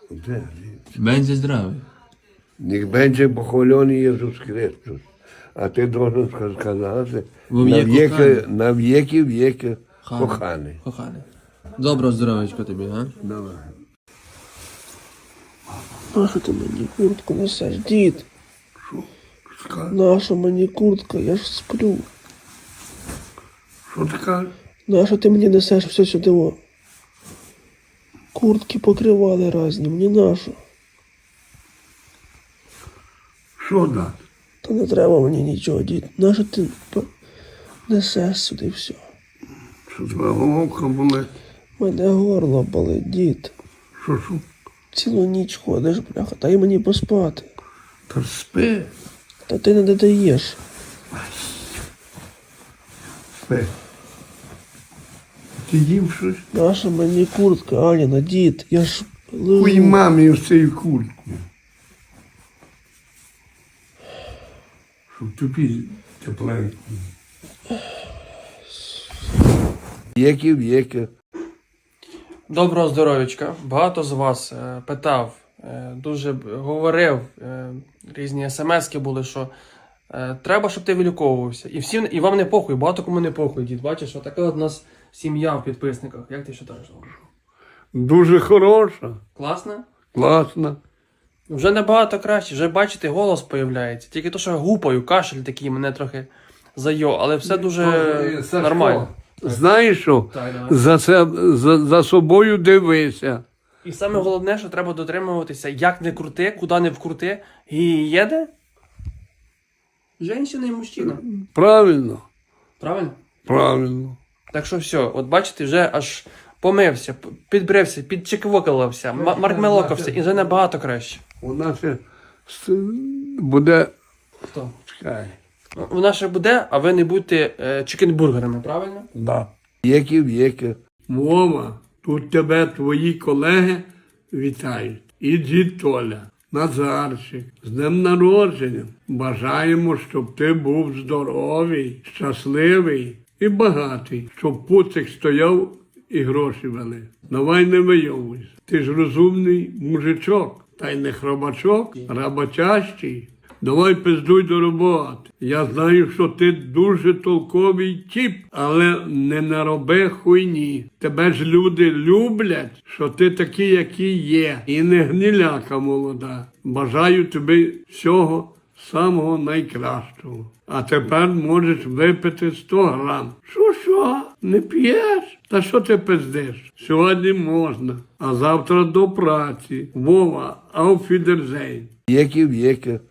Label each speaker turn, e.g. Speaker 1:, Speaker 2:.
Speaker 1: Będzie zdrowy.
Speaker 2: Niech będzie pochwalony Jezus Chrystus. A ty должен сказати,
Speaker 1: Бо mnie kochany.
Speaker 2: на віки віки коханий.
Speaker 1: Kochany. Dobro zdroweczko tobie, ha?
Speaker 2: Давай.
Speaker 3: Нащо ти мені куртку несеш, дід?
Speaker 2: Що
Speaker 3: Наша мені куртка, я ж сплю.
Speaker 2: ти кажеш?
Speaker 3: Нащо ти мені несеш все сюди? О? Куртки покривали разні, мені нащо?
Speaker 2: Що дати?
Speaker 3: Та не треба мені нічого, дід. Нащо ти несеш сюди все?
Speaker 2: Що твоя головка болить?
Speaker 3: Мене горло болить, дід.
Speaker 2: Що?
Speaker 3: Цілу ніч ходиш, бляха, дай мені поспати.
Speaker 2: Та спи.
Speaker 3: Та ти не додаєш.
Speaker 2: Спи. Ти їв щось?
Speaker 3: Наша мені куртка, Аніна, дід, я ж лежу.
Speaker 2: Хуй мамі в цій куртку. Щоб тобі тепленько. Віки.
Speaker 4: Доброго здоров'ячка. Багато з вас питав, дуже говорив, різні смски були, що треба, щоб ти виліковувався. І вам не похуй, багато кому не похуй, дід. Бачиш, отака от у нас сім'я в підписниках. Як ти вважаєш?
Speaker 2: Дуже хороша.
Speaker 4: Класно?
Speaker 2: Класна.
Speaker 4: Вже набагато краще, вже бачите, голос появляється. Тільки то, що гупаю, кашель такий мене трохи зайо, але все дуже нормально.
Speaker 2: Знаєш що?
Speaker 4: Так, давай.
Speaker 2: За собою дивися.
Speaker 4: І саме головне, що треба дотримуватися, як не крути, куди не вкрути. І їде женщина і мужчина.
Speaker 2: Правильно?
Speaker 4: Правильно?
Speaker 2: Правильно.
Speaker 4: Так що все, от бачите, вже аж помився, підбрився, підчеквокалився, маркмелокався, і вже набагато краще.
Speaker 2: У нас буде.
Speaker 4: Хто?
Speaker 2: Чекай.
Speaker 4: Вона ще буде, а ви не будьте чикенбургерами, правильно?
Speaker 2: Да. Віки. Вова, тут тебе твої колеги вітають. І дід Толя, Назарчик, з днем народження. Бажаємо, щоб ти був здоровий, щасливий і багатий, щоб пуцик стояв і гроші вели. Давай не вийовуйся. Ти ж розумний мужичок, та й не хробачок, роботящий. Давай пиздуй до роботи. Я знаю, що ти дуже толковий тіп, але не нароби хуйні. Тебе ж люди люблять, що ти такий, який є. І не гниляка молода. Бажаю тобі всього самого найкращого. А тепер можеш випити 100 грам. Що? Не п'єш? Та що ти пиздиш? Сьогодні можна, а завтра до праці. Вова, auf Wiedersehen. Віки.